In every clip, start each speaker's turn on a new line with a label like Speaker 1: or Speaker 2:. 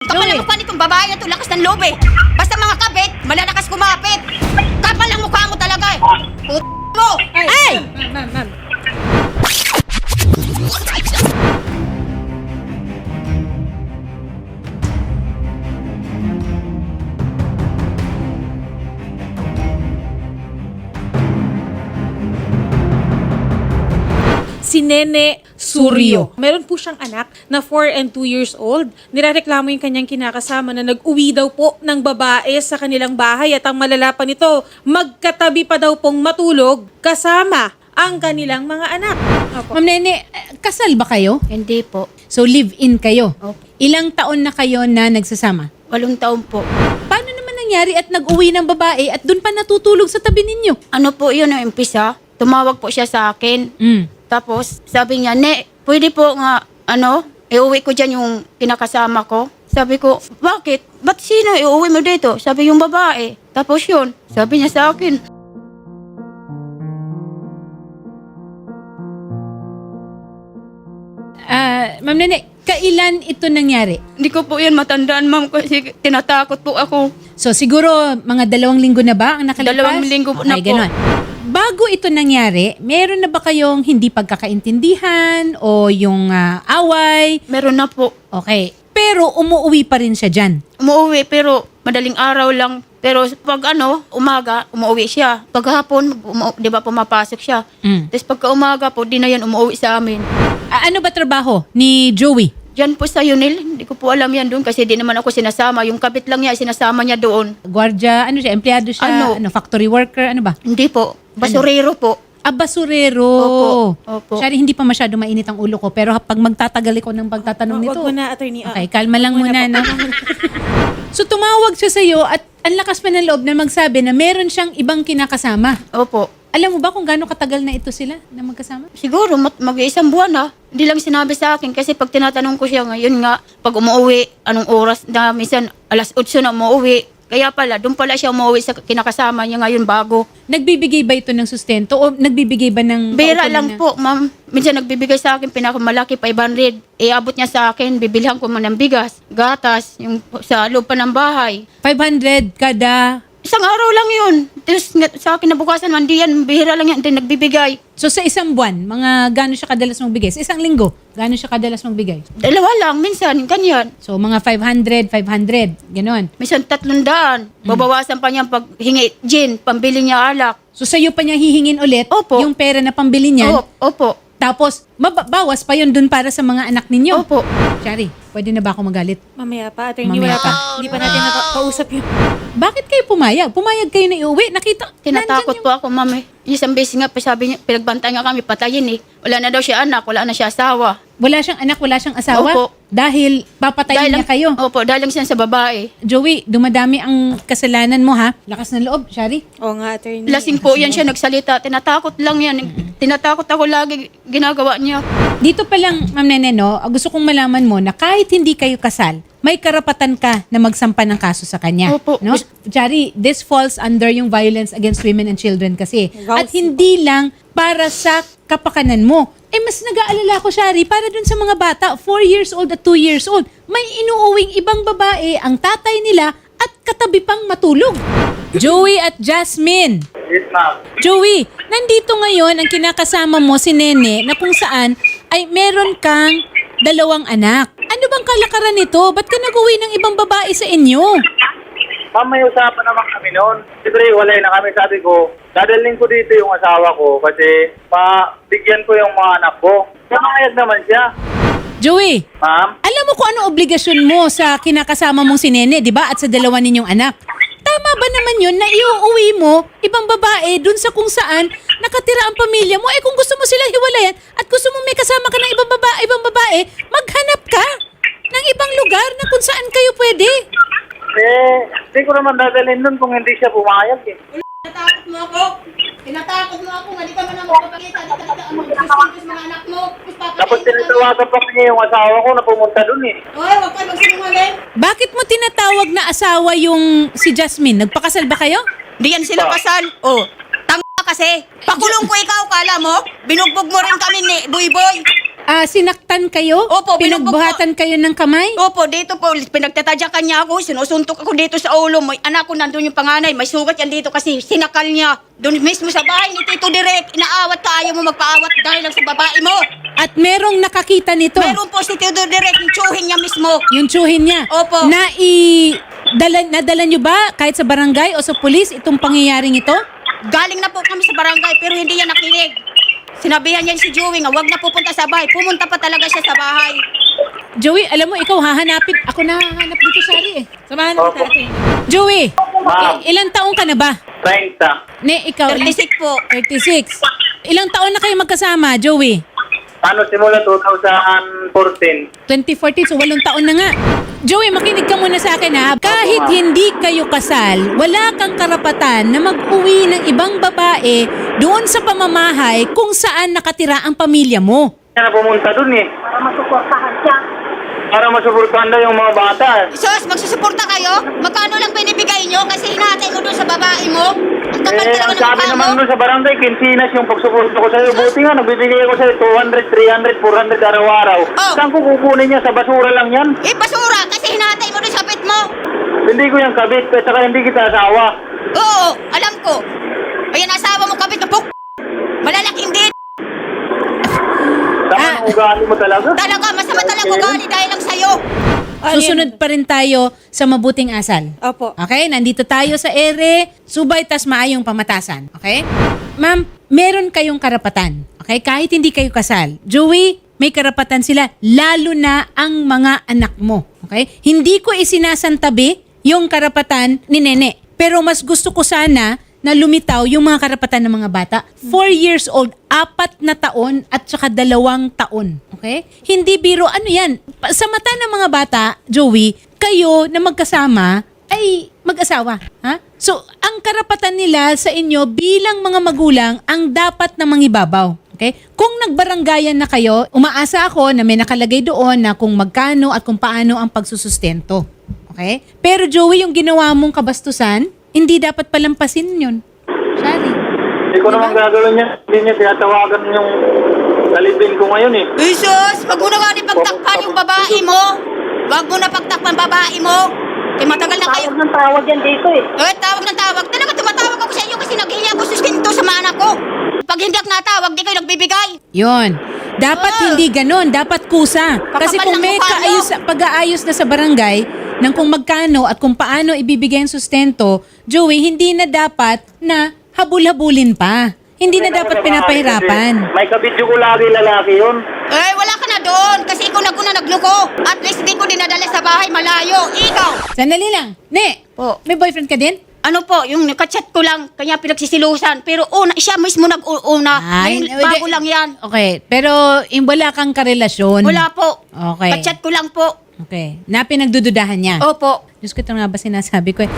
Speaker 1: Kapal ang mukha nitong babae na to, lakas ng loob eh. Basta mga kabit, malalakas kumapit. Kapal ang mukha mo talaga eh. Mo! Ay!
Speaker 2: Ma'am. Si Nene Suryo. Meron po siyang anak na 4 and 2 years old. Nirereklamo yung kanyang kinakasama na nag-uwi daw po ng babae sa kanilang bahay at ang malala pa nito, magkatabi pa daw pong matulog kasama ang kanilang mga anak. Opo.
Speaker 3: Ma'am Nene, kasal ba kayo?
Speaker 1: Hindi po.
Speaker 3: So live-in kayo?
Speaker 1: Opo.
Speaker 3: Ilang taon na kayo na nagsasama?
Speaker 1: 8 taon po.
Speaker 3: Paano naman nangyari at nag-uwi ng babae at doon pa natutulog sa tabi ninyo?
Speaker 1: Ano po yun ang umpisa? Tumawag po siya sa akin. Tapos sabi niya, Ne, pwede po nga, iuwi ko dyan yung kinakasama ko. Sabi ko, bakit? Ba't sino iuwi mo dito? Sabi yung babae. Tapos yun, sabi niya sa akin.
Speaker 3: Ma'am Nene, kailan ito nangyari?
Speaker 1: Hindi ko po yan matandaan, ma'am, kasi tinatakot po ako.
Speaker 3: So siguro mga 2 linggo na ba ang nakalipas?
Speaker 1: 2 linggo po na po.
Speaker 3: Ganun. Bago ito nangyari, meron na ba kayong hindi pagkakaintindihan o yung away?
Speaker 1: Meron na po.
Speaker 3: Okay. Pero umuwi pa rin siya dyan.
Speaker 1: Umuwi pero madaling araw lang. Pero pag umaga, umuwi siya. Pag hapon, di ba pumapasok siya. Tapos pagka umaga po, di na yan umuwi sa amin.
Speaker 3: Ano ba trabaho ni Joey?
Speaker 1: Diyan po sa Yunil, hindi ko po alam yan doon kasi di naman ako sinasama. Yung kabit lang niya, sinasama niya doon.
Speaker 3: Guardia, ano siya, empleyado siya, factory worker, ano ba?
Speaker 1: Hindi po. Basurero po.
Speaker 3: Basurero.
Speaker 1: Opo.
Speaker 3: Sorry, hindi pa masyado mainit ang ulo ko. Pero pag magtatagal ko ng pagtatanong nito.
Speaker 2: Wag mo na, attorney.
Speaker 3: Okay, kalma lang muna. No? So tumawag siya sa'yo at ang lakas pa ng loob na magsabi na meron siyang ibang kinakasama.
Speaker 1: Opo.
Speaker 3: Alam mo ba kung gaano katagal na ito sila na magkasama?
Speaker 1: Siguro, mag-iisang buwan na. Hindi lang sinabi sa akin kasi pag tinatanong ko siya ngayon nga, pag umuwi, anong oras na, minsan 8:00 na umuwi. Kaya pala, doon pala siya umuwi sa kinakasama niya ngayon bago.
Speaker 3: Nagbibigay ba ito ng sustento o nagbibigay ba ng...
Speaker 1: Bira
Speaker 3: paukulan
Speaker 1: lang
Speaker 3: na-
Speaker 1: po, ma'am. Minsan nagbibigay sa akin, pinakamalaki, 500. Iabot niya sa akin, bibilhan ko man ng bigas, gatas, yung sa loob pa ng bahay.
Speaker 3: 500 kada...
Speaker 1: Isang araw lang yun. Tapos sa akin nabukasan man, di yan, bihira lang yan, din nagbibigay.
Speaker 3: So sa isang buwan, mga gaano siya kadalas magbigay? Sa isang linggo, gaano siya kadalas magbigay?
Speaker 1: 2 lang, minsan, ganyan.
Speaker 3: So mga 500, ganon.
Speaker 1: Minsan 300. Babawasan pa niya pag hingi gin, pambili niya alak.
Speaker 3: So sa'yo pa niya hihingin ulit
Speaker 1: Opo.
Speaker 3: yung pera na pambili niyan.
Speaker 1: Opo.
Speaker 3: Tapos, bawas pa yun dun para sa mga anak ninyo.
Speaker 1: Opo.
Speaker 3: Shari, pwede na ba ako magalit?
Speaker 2: Mamaya pa, attorney.
Speaker 3: Mamaya
Speaker 2: Wala pa.
Speaker 3: pa.
Speaker 2: Hindi pa natin nakausap yun.
Speaker 3: Bakit kayo pumayag? Pumayag kayo na iuwi? Nakita,
Speaker 1: Tinatakot
Speaker 3: nandyan
Speaker 1: po ako, ma'am. Isang beses nga, sabi niya, pinagbantay nga kami, patayin eh. Wala na daw siya anak, wala na siya asawa.
Speaker 3: Wala siyang anak, wala siyang asawa?
Speaker 1: Opo.
Speaker 3: Dahil papatayin niya kayo?
Speaker 1: Opo, dahil lang siya sa babae.
Speaker 3: Joey, dumadami ang kasalanan mo ha? Lakas ng loob, Shari.
Speaker 2: Oo nga, attorney.
Speaker 1: Lasing po yan siya nagsalita. Tinatakot lang yan. Tinatakot ako lagi ginagawa niya.
Speaker 3: Dito pa lang, Ma'am Nene, no, gusto kong malaman mo na kahit hindi kayo kasal, may karapatan ka na magsampa ng kaso sa kanya.
Speaker 1: Opo.
Speaker 3: No? Shari, this falls under yung violence against women and children kasi.
Speaker 2: Wow.
Speaker 3: At hindi lang para sa kapakanan mo. Mas nag-aalala ko, Shari, para dun sa mga bata, 4 years old at 2 years old. May inuuwing ibang babae ang tatay nila at katabi pang matulog. Joey at Jasmine.
Speaker 4: Yes, ma'am.
Speaker 3: Joey, nandito ngayon ang kinakasama mo si Nene na kung saan ay meron kang 2 anak. Ano bang kalakaran nito? Ba't ka nag-uwi ng ibang babae sa inyo?
Speaker 4: Ma'am, may usapan naman kami noon. Siyempre, walay na kami. Sabi ko, dadalhin ko dito yung asawa ko kasi bigyan ko yung mga anak ko. Namayag naman siya.
Speaker 3: Joey,
Speaker 4: Ma'am,
Speaker 3: alam mo kung ano obligasyon mo sa kinakasama mong si Nene, di ba? At sa 2 ninyong anak. Tama ba naman yun na iuuwi mo ibang babae dun sa kung saan nakatira ang pamilya mo? Kung gusto mo sila hiwalayan at gusto mo may kasama ka ng ibang babae, maghanap ka ng ibang lugar na kung saan kayo pwede.
Speaker 4: hindi ko naman dadalhin nun kung hindi siya pumayag eh.
Speaker 1: Tinatakot mo ako. Tinatakot mo ako. Hindi ka man na magpapakita. Hindi ka mag-distinguish mga anak mo.
Speaker 4: Tapos tinatawagan pa niya yung asawa ko na pumunta dun eh.
Speaker 1: Oy, huwag ka magsinungaling.
Speaker 3: Bakit mo tinatawag na asawa yung si Jasmine? Nagpakasal ba kayo?
Speaker 1: Di yan sila kasal. Oh, tanga kasi. Pakulong ko ikaw, kala mo? Binugbog mo rin kami ni Boy.
Speaker 3: Sinaktan kayo?
Speaker 1: Opo, binugbog
Speaker 3: Pinagbuhatan kayo ng kamay?
Speaker 1: Opo, dito po, pinagtatadyakan niya ako, sinusuntok ako dito sa ulo. May anak ko nandun yung panganay, may sugat yan dito kasi sinakal niya. Doon mismo sa bahay ni Tito Direk, inaawat ka, ayaw mo magpaawat dahil lang sa babae mo.
Speaker 3: At merong nakakita nito?
Speaker 1: Meron po si Tito Direk, yung tsuhin niya mismo.
Speaker 3: Yung tsuhin niya?
Speaker 1: Opo.
Speaker 3: Nadala nyo ba kahit sa barangay o sa pulis itong pangyayaring ito?
Speaker 1: Galing na po kami sa barangay pero hindi niya nakinig. Sinabihan niya si Joey nga, wag na pupunta sa bahay. Pumunta pa talaga siya sa bahay.
Speaker 3: Joey, alam mo, ikaw hahanapin. Ako na hahanap dito, Shari eh. Samahan na
Speaker 4: Opo.
Speaker 3: natin. Joey,
Speaker 4: Ma'am.
Speaker 3: ilang taong ka na ba?
Speaker 4: 30.
Speaker 3: Ne, ikaw?
Speaker 1: 36 po.
Speaker 3: 36. Ilang taon na kayo magkasama, Joey?
Speaker 4: Simula 2014.
Speaker 3: 2014, so 8 taon na nga. Joey, makinig ka muna sa akin ha. Kahit hindi kayo kasal, wala kang karapatan na mag-uwi ng ibang babae doon sa pamamahay kung saan nakatira ang pamilya mo.
Speaker 4: Kaya na pumunta dun eh. Para masuportahan daw yung mga bata.
Speaker 1: Sos, magsusuporta kayo? Magkano lang binibigay nyo kasi hinatay mo doon sa babae mo? Ang kapal
Speaker 4: Eh,
Speaker 1: talaga
Speaker 4: ang
Speaker 1: ng
Speaker 4: sabi
Speaker 1: mukha
Speaker 4: naman
Speaker 1: mo.
Speaker 4: doon sa barangay, kinsinas yung pagsuporta ko sa'yo. Buti nga, nagbibigay ako sa'yo 200, 300, 400 araw-araw.
Speaker 1: Oh.
Speaker 4: Saan ko kukunin niya? Sa basura lang yan.
Speaker 1: Eh, basura kasi hinatay mo doon sa pit mo.
Speaker 4: Hindi ko yung kabit, at saka hindi kita asawa.
Speaker 1: Oo, alam ko. Ayan, asawa mo kapit na puk. Malalaking din.
Speaker 4: Tama ang ugali mo talaga.
Speaker 1: Talaga, masama talaga ugali dahil lang sa'yo.
Speaker 3: Susunod pa rin tayo sa mabuting asal.
Speaker 2: Opo.
Speaker 3: Okay? Nandito tayo sa ere, subay tas maayong pamatasan. Okay? Ma'am, meron kayong karapatan. Okay? Kahit hindi kayo kasal. Joey, may karapatan sila, lalo na ang mga anak mo. Okay? Hindi ko isinasantabi yung karapatan ni Nene. Pero mas gusto ko sana na lumitaw yung mga karapatan ng mga bata. 4 years old, 4 na taon at saka 2 taon. Okay? Hindi biro, ano yan? Sa mata ng mga bata, Joey, kayo na magkasama ay mag-asawa. Ha? So, ang karapatan nila sa inyo bilang mga magulang ang dapat na mangibabaw. Okay? Kung nagbaranggayan na kayo, umaasa ako na may nakalagay doon na kung magkano at kung paano ang pagsusustento. Okay? Pero Joey, yung ginawa mong kabastusan, hindi dapat palampasin yun. Shari.
Speaker 4: Hindi ko naman gagawin niya. Hindi niya tinatawagan yung kalibin ko ngayon eh.
Speaker 1: Jesus, wag mo na nga rin pagtakpan yung babae mo. Wag mo na pagtakpan babae mo. Kaya matagal na kayo.
Speaker 5: Tawag ng tawag yan dito eh.
Speaker 1: Tawag ng tawag. Talaga tumatawag ako sa inyo kasi naghihingi ako sustento sa mga anak ko. Pag hindi ako natawag, di kayo nagbibigay.
Speaker 3: Yun. Dapat hindi ganun. Dapat kusa. Kasi
Speaker 1: Kakapal
Speaker 3: kung
Speaker 1: ng
Speaker 3: may
Speaker 1: mukha mo.
Speaker 3: pag-aayos na sa barangay ng kung magkano at kung paano ibibigay ang sustento, Joey, hindi na dapat na habul-habulin pa. Hindi na dapat pinapahirapan.
Speaker 4: May kabidyo ko lagi lalaki yun.
Speaker 1: Eh, wala ka na doon kasi ikaw naguna nagluko. At least di ko dinadala sa bahay malayo. Ikaw.
Speaker 3: Sandali lang. Ne,
Speaker 1: Po.
Speaker 3: may boyfriend ka din?
Speaker 1: Ano po, yung nakachat ko lang, kanya pinagsisilusan. Pero siya mismo nag-una. Ngayon, bago lang yan.
Speaker 3: Okay, pero wala kang karelasyon.
Speaker 1: Wala po.
Speaker 3: Okay.
Speaker 1: Kachat ko lang po.
Speaker 3: Okay. Na pinagdududahan niya.
Speaker 1: Opo.
Speaker 3: Diyos ko, ito nga ba sinasabi ko eh.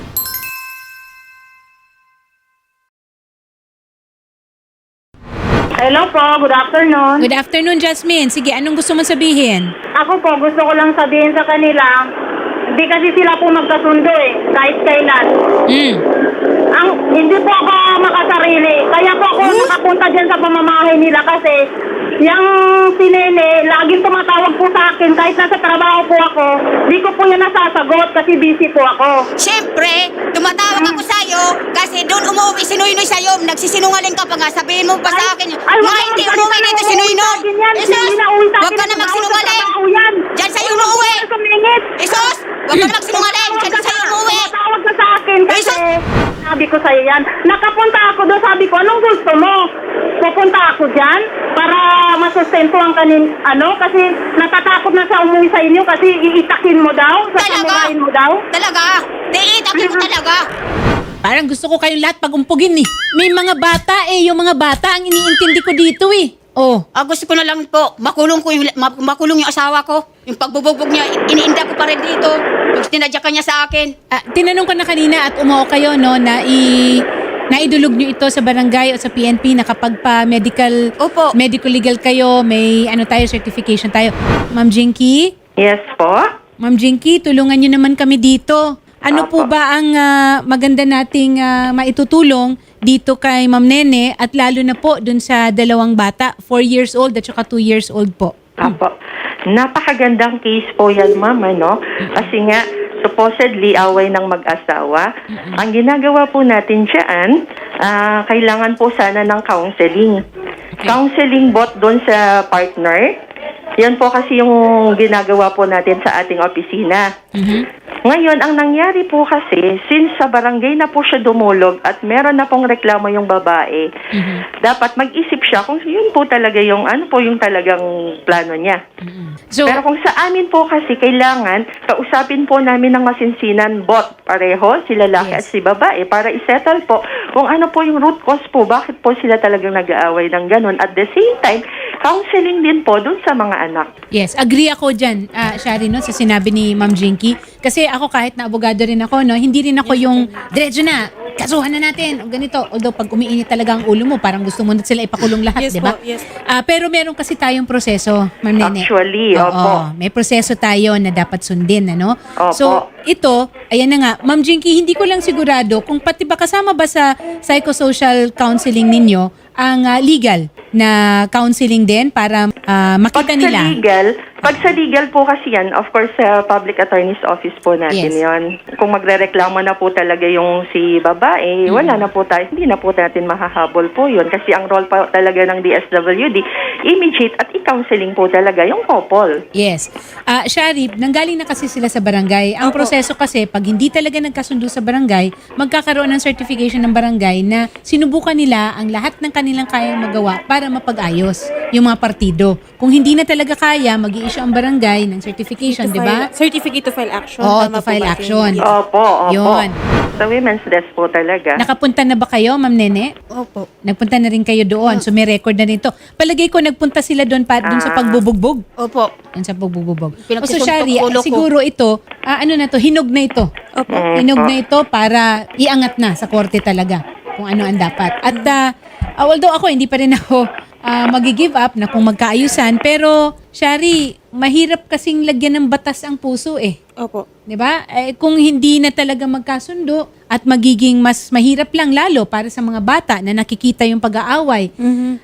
Speaker 5: Hello po, good afternoon.
Speaker 3: Good afternoon, Jasmine. Sige, anong gusto mong sabihin?
Speaker 5: Ako po, gusto ko lang sabihin sa kanila, hindi kasi sila po magkasundo eh, kahit kailan. Hindi po ako makasarili. Kaya po ako nakapunta dyan sa pamamahay nila kasi yung si Nene, laging tumatawag po sa akin kahit nasa trabaho po ako. Di ko po yan nasasagot kasi busy po ako.
Speaker 1: Siyempre, tumatawag ako sa'yo kasi doon umuwi si Noynoy sa'yo. Nagsisinungaling ka pa nga. Sabihin mo pa sa akin.
Speaker 5: Ay,
Speaker 1: Nga hindi umuwi dito si Noynoy. Huwag ka na magsinungaling. Diyan sa'yo umuwi. Isos, huwag ka na magsinungaling. Diyan sa'yo umuwi.
Speaker 5: Tumatawag ka sa akin kasi
Speaker 1: Isos.
Speaker 5: sabi ko sa'yo yan. Nakapunta ako doon, sabi ko, anong gusto mo? Pupunta ako dyan para masustento ang kasi natatakot na sa umuwi sa inyo kasi iitakin mo daw, sasamurahin mo daw.
Speaker 1: Talaga. Diitakin mo talaga.
Speaker 3: Parang gusto ko kayong lahat pagumpugin eh. May mga bata eh. Yung mga bata ang iniintindi ko dito eh. Oh.
Speaker 1: Gusto ko na lang po, makulong yung asawa ko. Yung pagbubugbog niya, iniinda ko pa rin dito. Yung tinadya ka niya sa akin.
Speaker 3: Tinanong ko na kanina at umuo kayo no na naidulog nyo ito sa barangay o sa PNP na kapag pa medical legal kayo, may certification tayo. Ma'am Jinky?
Speaker 5: Yes po.
Speaker 3: Ma'am Jinky, tulungan nyo naman kami dito. Ano po ba ang maganda nating maitutulong dito kay Ma'am Nene at lalo na po dun sa dalawang bata, 4 years old at saka 2 years old po.
Speaker 6: Apo. Napakagandang case po yan, ma'am, ano? Kasi nga, supposedly, away ng mag-asawa. Ang ginagawa po natin dyan, kailangan po sana ng counseling. Counseling both doon sa partner. Yan po kasi yung ginagawa po natin sa ating opisina. Ngayon, ang nangyari po kasi, since sa barangay na po siya dumulog at meron na pong reklamo yung babae, dapat mag-isip siya kung yun po talaga yung, ano po yung talagang plano niya.
Speaker 3: So,
Speaker 6: Pero kung sa amin po kasi, kailangan, kausapin po namin ng masinsinan both pareho, si lalaki at si babae, para isettle po kung ano po yung root cause po, bakit po sila talagang nag-aaway ng ganun. At the same time, counseling din po dun sa mga anak.
Speaker 3: yes, agree ako dyan, Shari, no, sa sinabi ni Ma'am Jinky. Kasi ako kahit na abogado rin ako, no, hindi rin ako yung diretso na, kasuhan na natin, o ganito. Although pag umiinit talaga ang ulo mo, parang gusto mo na sila ipakulong lahat,
Speaker 2: Yes
Speaker 3: di ba?
Speaker 2: po, yes.
Speaker 3: Pero meron kasi tayong proseso, Ma'am Nene.
Speaker 6: Actually,
Speaker 3: Oo,
Speaker 6: opo.
Speaker 3: may proseso tayo na dapat sundin, ano?
Speaker 6: Opo.
Speaker 3: So, ito, ayan na nga, Ma'am Jinky, hindi ko lang sigurado kung pati ba kasama ba sa psychosocial counseling ninyo ang legal na counseling din para makita nila.
Speaker 6: Pag sa legal po kasi yan, of course, sa public attorney's office po natin
Speaker 3: Yes.
Speaker 6: yon. Kung magrereklamo na po talaga yung si babae, wala na po tayo, hindi na po natin mahahabol po yun. Kasi ang role pa talaga ng DSWD, immediate at i-counseling po talaga yung couple.
Speaker 3: Yes. Shari, nanggaling na kasi sila sa barangay. Ang proseso kasi, pag hindi talaga nagkasundo sa barangay, magkakaroon ng certification ng barangay na sinubukan nila ang lahat ng kanilang kayang magawa para mapag-ayos yung mga partido. Kung hindi na talaga kaya, mag-i-issue ang barangay ng certification, di ba?
Speaker 2: Certificate to file action.
Speaker 3: Oo,
Speaker 2: Tama
Speaker 3: to
Speaker 2: po
Speaker 3: file
Speaker 2: ba,
Speaker 3: action.
Speaker 2: Yes.
Speaker 6: Opo.
Speaker 3: Yun.
Speaker 6: Sa women's desk po talaga.
Speaker 3: Nakapunta na ba kayo, Ma'am Nene?
Speaker 1: Opo.
Speaker 3: Nagpunta na rin kayo doon. So may record na rin to. Palagay ko nagpunta sila doon doon sa pagbubugbog.
Speaker 1: Opo.
Speaker 3: Doon sa pagbubugbog. O so
Speaker 1: Pinagsusuntok
Speaker 3: Shari,
Speaker 1: ulo ko.
Speaker 3: siguro ito, ano na to, hinog na ito.
Speaker 2: Opo.
Speaker 3: Hinog na ito para iangat na sa korte talaga kung ano ang dapat. At although ako, hindi pa rin ako magi-give up na kung magkaayusan, pero Shari, mahirap kasing lagyan ng batas ang puso eh.
Speaker 2: Opo.
Speaker 3: 'Di ba? Kung hindi na talaga magkasundo at magiging mas mahirap lang lalo para sa mga bata na nakikita yung pag-aaway,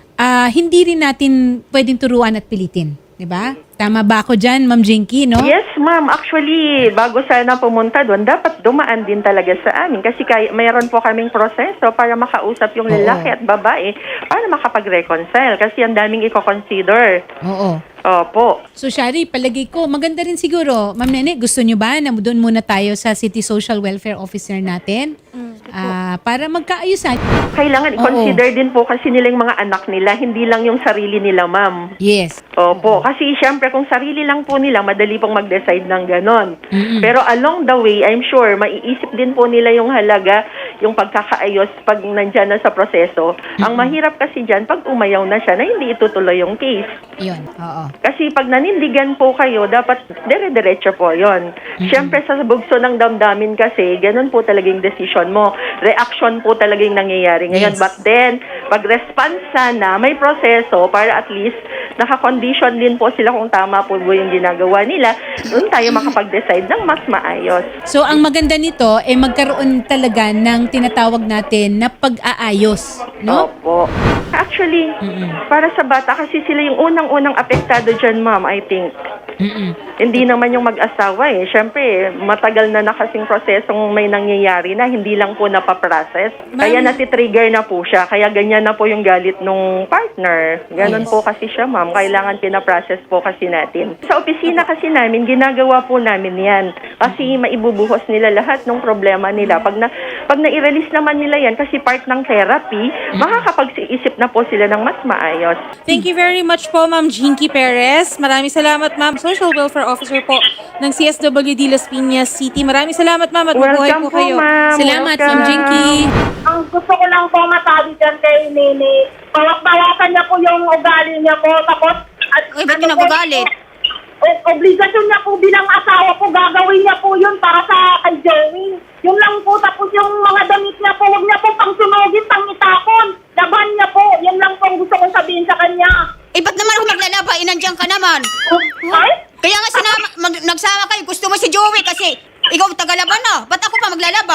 Speaker 3: hindi rin natin pwedeng turuan at pilitin. 'Di ba? Tama ba ako dyan, Ma'am Jinky, no?
Speaker 6: Yes, ma'am. Actually, bago sana pumunta doon, dapat dumaan din talaga sa amin. Kasi mayroon po kaming proseso para makausap yung lalaki at babae para makapag-reconcile. Kasi ang daming i-consider.
Speaker 3: Oo.
Speaker 6: Opo.
Speaker 3: So, Shari, palagay ko, maganda rin siguro. Ma'am Nene, gusto nyo ba na doon muna tayo sa City Social Welfare Officer natin? Para magkaayusan.
Speaker 6: Kailangan i-consider din po kasi nila yung mga anak nila, hindi lang yung sarili nila, ma'am.
Speaker 3: Yes.
Speaker 6: Opo. Kasi syempre, kung sarili lang po nila, madali pong mag-decide ng ganon. Pero along the way, I'm sure, maiisip din po nila yung halaga, yung pagkakaayos pag nandyan na sa proseso. Ang mahirap kasi dyan, pag umayaw na siya, na hindi itutuloy yung case.
Speaker 3: Yun. Oo.
Speaker 6: Kasi pag nanindigan po kayo, dapat dire-diretso po yon. Siyempre sa bugso ng damdamin kasi, ganun po talaga yung decision mo. Reaction po talaga yung nangyayari ngayon.
Speaker 3: Yes.
Speaker 6: But then, pag response sana, may proseso para at least naka-condition din po sila kung tama po yung ginagawa nila, doon tayo makapag-decide ng mas maayos.
Speaker 3: So, ang maganda nito, magkaroon talaga ng tinatawag natin na pag-aayos. No?
Speaker 6: Opo. Actually, para sa bata, kasi sila yung unang-unang apektado dyan, ma'am, I think. Hindi naman yung mag-asawa eh. Siyempre, matagal na kasing prosesong may nangyayari na hindi lang po napaprocess. Kaya natitrigger na po siya. Kaya ganyan na po yung galit nung partner. Ganon po kasi siya, ma'am. Kailangan pinaprocess po kasi natin. Sa opisina kasi namin, ginagawa po namin yan. Kasi maibubuhos nila lahat ng problema nila. Pag na-release naman nila yan, kasi part ng therapy, makakapag-isip na po sila ng mas maayos.
Speaker 2: Thank you very much po, Ma'am Jinky Perez. Maraming salamat, Ma'am. Social Welfare Officer po ng CSWD Las Piñas City. Maraming salamat, Ma'am, at mabuhay
Speaker 6: Welcome
Speaker 2: po kayo.
Speaker 6: ma'am.
Speaker 3: Salamat,
Speaker 6: Welcome.
Speaker 3: Ma'am Jinky.
Speaker 5: Ang gusto ko lang po masabi dyan kay Nene, bawasan niya po yung ugali niya po. Tapos,
Speaker 1: Uy, ba't yun nagagalit?
Speaker 5: Obligasyon niya po bilang asawa ko, gagawin niya po yun para sa kay Joey. Yun lang po, tapos yung mga damit niya po, huwag niya po pangsunogin, pangitapon. Laban niya po, yun lang po ang gusto kong sabihin sa kanya.
Speaker 1: Ba't naman ako maglalaba? Inandiyan ka naman.
Speaker 5: Ay?
Speaker 1: Kaya nga nagsama kayo. Gusto mo si Joey kasi ikaw tagalaban na. Ba't ako pa maglalaba?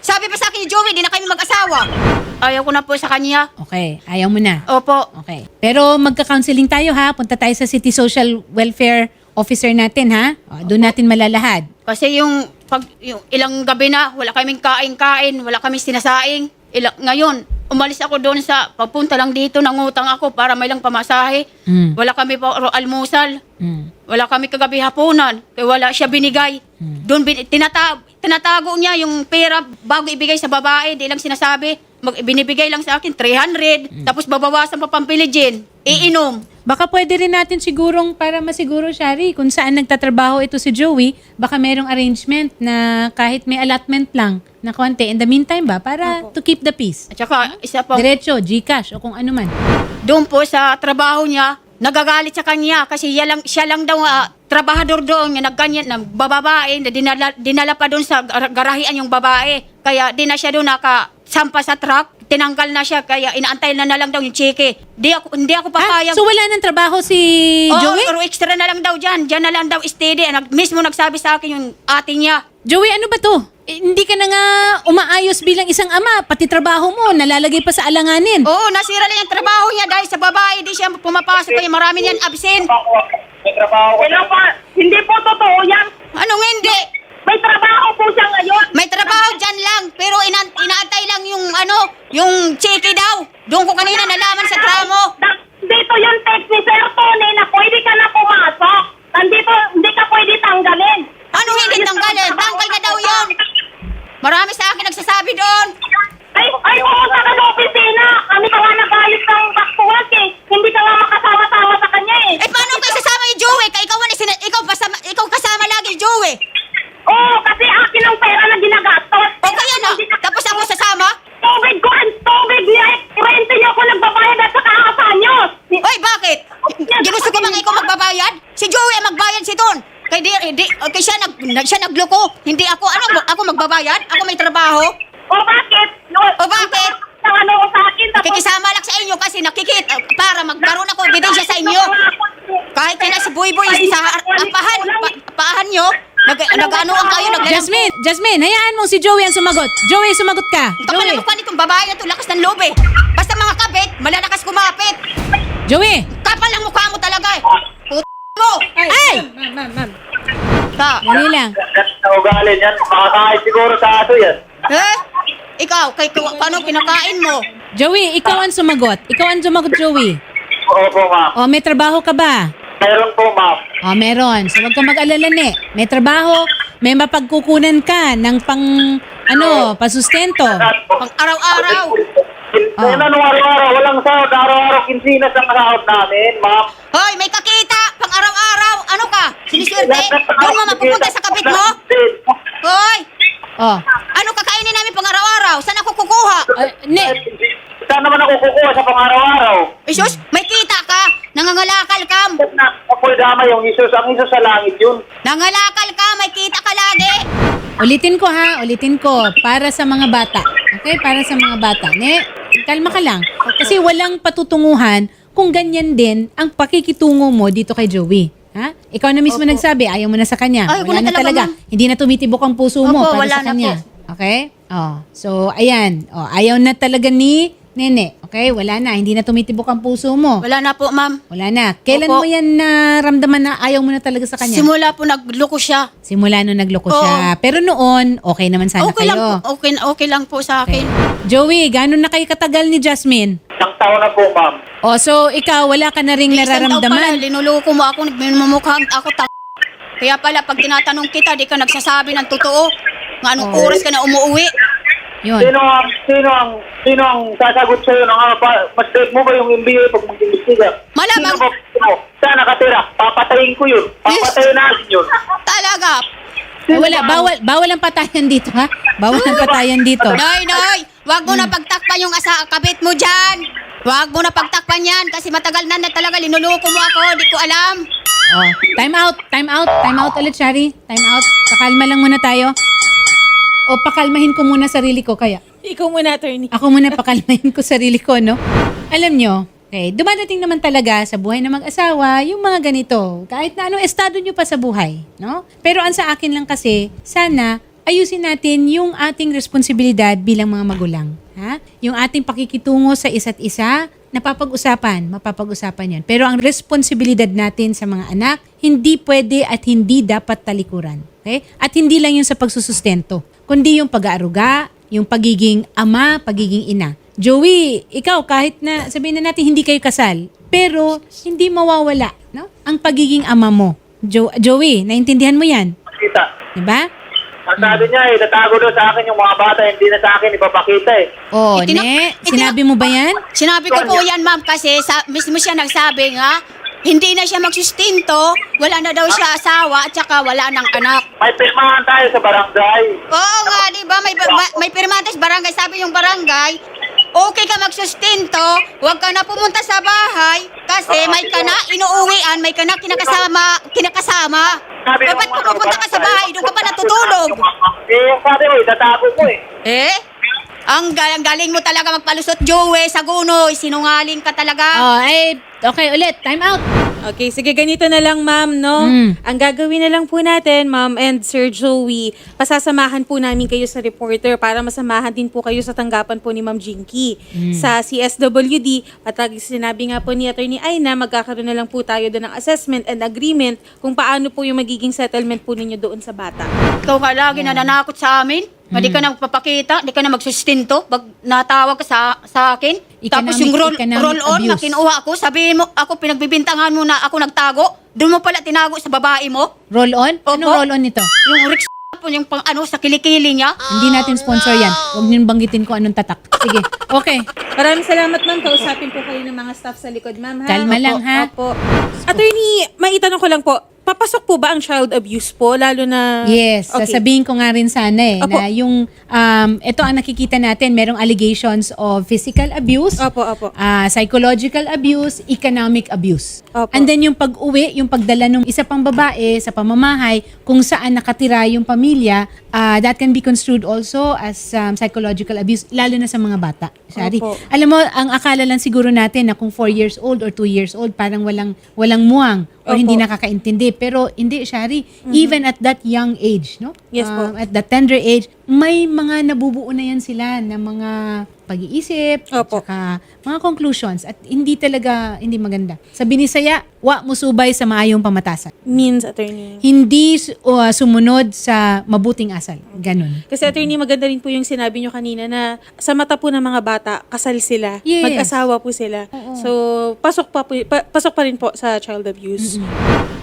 Speaker 1: Sabi pa sa akin ni Joey, di na kami mag-asawa. Ayaw ko na po sa kanya.
Speaker 3: Okay, ayaw mo na.
Speaker 1: Opo.
Speaker 3: Okay. Pero magka-counseling tayo ha. Punta tayo sa City Social Welfare Officer natin ha. O, doon natin malalahad.
Speaker 1: Kasi yung ilang gabi na, wala kaming kain-kain, wala kaming sinasaing. Ngayon, umalis ako doon sa papunta lang dito, nangutang ako para may lang pamasahe. Wala kami pa almusal. Wala kami kagabi hapunan. Kaya wala siya binigay. Doon tinatago niya yung pera bago ibigay sa babae. Di lang sinasabi. Binibigay lang sa akin 300. Tapos babawasan pa pampiligin. Iinom.
Speaker 3: Baka pwede rin natin sigurong para masiguro, Shari, kung saan nagtatrabaho ito si Joey, baka merong arrangement na kahit may allotment lang na konti. In the meantime ba, para to keep the peace.
Speaker 1: At saka, isa pa,
Speaker 3: Diretso, GCash o kung ano man.
Speaker 1: doon po sa trabaho niya, nagagalit sa kanya kasi siya lang daw trabahador doon, nagganyan, bababae, na dinala pa doon sa garahian yung babae. Kaya di na siya doon nakasampa sa truck, tinanggal na siya, kaya inaantay na lang daw yung chike. Hindi ako papayag.
Speaker 3: So wala nang trabaho si Joey?
Speaker 1: Oo, extra na lang daw dyan. Dyan na lang daw steady. Mismo nagsabi sa akin yung ate niya.
Speaker 3: Joey, ano ba to? Hindi ka na nga umaayos bilang isang ama. Pati trabaho mo, nalalagay pa sa alanganin.
Speaker 1: Oo, nasira lang yung trabaho niya dahil sa babae. Di siya pumapasok kaya marami niyan absent.
Speaker 4: May trabaho ko.
Speaker 5: Hello po, hindi po totoo yan.
Speaker 1: Anong hindi?
Speaker 5: May trabaho po siya ngayon.
Speaker 1: May trabaho dyan lang, pero inaantay lang yung chiki daw. Doon ko kanina nalaman sa tramo.
Speaker 5: Dito yung text ni Sir Tony na pwede ka na pumasok. Nandito, hindi ka pwede tanggalin.
Speaker 1: Anong hindi tanggalin? Tanggal na daw yun. Marami sa akin nagsasabi doon.
Speaker 5: Ay, pumunta ka sa opisina. Kami ka nga nag-ayos ng backwork eh. Hindi ka nga makasama-sama sa kanya eh.
Speaker 1: Eh, paano kayo sasama yung Joey? Ikaw kasama lagi yung Joey.
Speaker 5: Oo, kasi akin ang pera na ginagastos.
Speaker 1: O kaya na, tapos ako sasama?
Speaker 5: Tubig ko and tubig niya. Rente niyo ako nagbabayad at saka nyo.
Speaker 1: Oy, bakit? Ginusto ko bang ikaw magbabayad? Si Joey ang magbayad si Don. Kay siya nagloko. Hindi ako. Ako magbabayad? Ako may trabaho?
Speaker 5: O bakit?
Speaker 1: O bakit?
Speaker 5: Ang ano ko sa akin. tapos-
Speaker 1: Kikisama lang sa inyo kasi nakikita para magkaroon ako ebidensya sa inyo. Kahit kaya si Boy sa paahan nyo, nag-ano ang kayo,
Speaker 3: Jasmine, hayaan mo si Joey ang sumagot. Joey, sumagot ka.
Speaker 1: Kapal
Speaker 3: Joey.
Speaker 1: ang mukha nitong babae na to, lakas ng loob eh. Basta mga kabit, malalakas kumapit.
Speaker 3: Joey.
Speaker 1: Kapal ang mukha mo talaga eh. Mo!
Speaker 3: Ay!
Speaker 2: Ma'am.
Speaker 3: Dali lang.
Speaker 4: Na ugali yan. Makakain siguro sa aso yan.
Speaker 1: Eh? Ikaw, paano kinakain mo?
Speaker 3: Joey, ikaw ang sumagot. Joey.
Speaker 4: Opo, ma'am.
Speaker 3: O, may trabaho ka ba?
Speaker 4: Meron po, ma'am.
Speaker 3: O, meron. So, huwag ka mag-alala, ne. May trabaho, may mapagkukunan ka ng pasustento.
Speaker 1: Pang araw-araw.
Speaker 4: Kaya na nung araw-araw, walang sahod. Araw-araw, kinsinas ang sahod namin, ma'am.
Speaker 1: Hoy, may kakita, pang araw-araw. Ano ka? Siniswerte? Doon mo mapupunta sa kabit mo? Hoy!
Speaker 3: O,
Speaker 1: Ano kakainin namin pang araw-araw? Saan ako kukuha?
Speaker 3: ne.
Speaker 4: Saan naman ako kukuha sa pang-araw-araw?
Speaker 1: Isus, may kita ka. Nangangalakal ka.
Speaker 4: Ako'y dama yung Isus. Ang Isus sa langit yun.
Speaker 1: Nangalakal ka, may kita ka lagi.
Speaker 3: Ulitin ko. Para sa mga bata. Okay? Para sa mga bata. Ne, kalma ka lang. Kasi walang patutunguhan kung ganyan din ang pakikitungo mo dito kay Joey. Ha? Ikaw na mismo nagsabi, ayaw mo na sa kanya.
Speaker 1: Ayaw ko
Speaker 3: Wala
Speaker 1: na
Speaker 3: na
Speaker 1: talaga,
Speaker 3: talaga. Hindi na tumitibok ang puso mo
Speaker 1: Opo,
Speaker 3: para
Speaker 1: wala
Speaker 3: sa
Speaker 1: na
Speaker 3: kanya.
Speaker 1: po.
Speaker 3: Okay? So, ayan. Ayaw na talaga ni Nene. Okay? Wala na. Hindi na tumitibok ang puso mo.
Speaker 1: Wala na po, ma'am.
Speaker 3: Wala na. Kailan
Speaker 1: Opo.
Speaker 3: mo yan naramdaman na ayaw mo na talaga sa kanya?
Speaker 1: Simula po nagloko siya.
Speaker 3: Simula nung nagloko
Speaker 1: Oo.
Speaker 3: siya. Pero noon, okay naman sana
Speaker 1: Okay
Speaker 3: kayo.
Speaker 1: lang po, okay lang po sa akin.
Speaker 3: Joey, gano'n na kayo katagal ni Jasmine?
Speaker 4: Isang taon na po, ma'am.
Speaker 3: So ikaw, wala ka na ring
Speaker 1: Isang taon pala,
Speaker 3: nararamdaman?
Speaker 1: linuloko mo ako, nagmumukhaan ako Kaya pala, pag tinatanong kita, di ka nagsasabi ng totoo. Nga anong oras ka na umuwi.
Speaker 3: Yun.
Speaker 4: Sino ang sasagot sa'yo ng mas safe mo ba yung MBA pag mag-imbestiga?
Speaker 1: Malamang.
Speaker 4: Sino mo? Saan nakatira? Papatayin ko yun. Papatayin natin yun.
Speaker 1: Talaga.
Speaker 3: Wala, bawal ang patayan dito, ha? Bawal ang patayan dito.
Speaker 1: Noy, wag mo na pagtakpan yung kabit mo dyan. Wag mo na pagtakpan yan kasi matagal na talaga linuloko mo ako, di ko alam.
Speaker 3: Time out ulit, Shari. Time out. Pakalma lang muna tayo. O pakalmahin ko muna sarili ko kaya.
Speaker 2: Ikaw muna, attorney.
Speaker 3: Ako muna pakalmahin ko sarili ko, no? Alam nyo, okay, dumadating naman talaga sa buhay ng mag-asawa yung mga ganito. Kahit na anong estado nyo pa sa buhay, no? Pero ang sa akin lang kasi, sana ayusin natin yung ating responsibilidad bilang mga magulang. Ha? Yung ating pakikitungo sa isa't isa, mapapag-usapan yan. Pero ang responsibilidad natin sa mga anak, hindi pwede at hindi dapat talikuran. Okay? At hindi lang yung sa pagsusustento, kundi yung pag-aaruga, yung pagiging ama, pagiging ina. Joey, ikaw kahit na sabihin na natin hindi kayo kasal, pero hindi mawawala, no? Ang pagiging ama mo. Joey, naintindihan mo yan?
Speaker 4: Kita.
Speaker 3: Diba?
Speaker 4: Ang sabi niya tatago daw sa akin yung mga bata, hindi na sa akin ipapakita
Speaker 3: Oh, sinabi mo ba yan?
Speaker 1: Sinabi ko po yan, ma'am, kasi mismo siya nagsabi nga, hindi na siya magsustinto, wala na daw siya asawa, at saka wala ng anak.
Speaker 4: May pirmahan tayo sa barangay.
Speaker 1: Oo nga, di ba? May pirmatas barangay. Sabi yung barangay, okay ka magsustinto, huwag ka na pumunta sa bahay kasi may ka na inuuwian, may ka na kinakasama. Dapat pupunta ka sa bahay, doon ka pa natutulog.
Speaker 4: Yung sabi mo, tatago mo
Speaker 1: Ang galing mo talaga magpalusot, Joey, Sagunoy, sinungaling ka talaga.
Speaker 3: Okay ulit, time out.
Speaker 2: Okay, sige, ganito na lang, ma'am, no? Ang gagawin na lang po natin, ma'am and Sir Joey, pasasamahan po namin kayo sa reporter para masamahan din po kayo sa tanggapan po ni Ma'am Jinky sa CSWD. At sinabi nga po ni Attorney Aina, magkakaroon na lang po tayo doon ng assessment and agreement kung paano po yung magiging settlement po ninyo doon sa bata.
Speaker 1: Ikaw nga lagi nananakot sa amin. Hindi ka na magpapakita, hindi ka na magsustinto. Pag natawag ka sa akin, tapos yung roll-on na kinuha ako, sabihin mo, ako pinagbibintangan mo na ako nagtago, doon mo pala tinago sa babae mo.
Speaker 3: Roll-on?
Speaker 1: Opo.
Speaker 3: Anong roll-on nito?
Speaker 1: Yung Rick yung pang sa kilikili niya.
Speaker 3: Hindi natin sponsor yan. Huwag niyong banggitin ko anong tatak. Sige, okay.
Speaker 2: Maraming salamat, ma'am. Kausapin po kayo ng mga staff sa likod, ma'am. Ha?
Speaker 3: Kalma
Speaker 2: Opo,
Speaker 3: lang, ha?
Speaker 2: Opo. Attorney, maitanong ko lang po, papasok po ba ang child abuse po? Lalo na...
Speaker 3: Yes,
Speaker 2: Okay.
Speaker 3: sasabihin ko nga rin sana
Speaker 2: Opo.
Speaker 3: na yung, ito ang nakikita natin, merong allegations of physical abuse,
Speaker 2: Opo, opo.
Speaker 3: psychological abuse, economic abuse.
Speaker 2: Opo.
Speaker 3: And then yung pag-uwi, yung pagdala ng isa pang babae sa pamamahay, kung saan nakatira yung pamilya, that can be construed also as psychological abuse, lalo na sa mga bata. Shari.
Speaker 2: Opo.
Speaker 3: Alam mo, ang akala lang siguro natin na kung 4 years old or 2 years old, parang walang muwang o
Speaker 2: Opo.
Speaker 3: hindi nakakaintindi. Pero hindi, Shari. Even at that young age, no?
Speaker 2: Yes po.
Speaker 3: At that tender age, may mga nabubuo na yan sila na mga pag-iisip, at
Speaker 2: Opo.
Speaker 3: saka mga conclusions. At hindi maganda. Sa Binisaya, wa musubay sa maayong pamatasan.
Speaker 2: Means, attorney.
Speaker 3: Hindi sumunod sa mabuting asal. Ganon.
Speaker 2: Kasi attorney, maganda rin po yung sinabi nyo kanina na sa mata po ng mga bata, kasal sila,
Speaker 3: Yes.
Speaker 2: mag-asawa po sila. So, pasok pa rin po sa child abuse.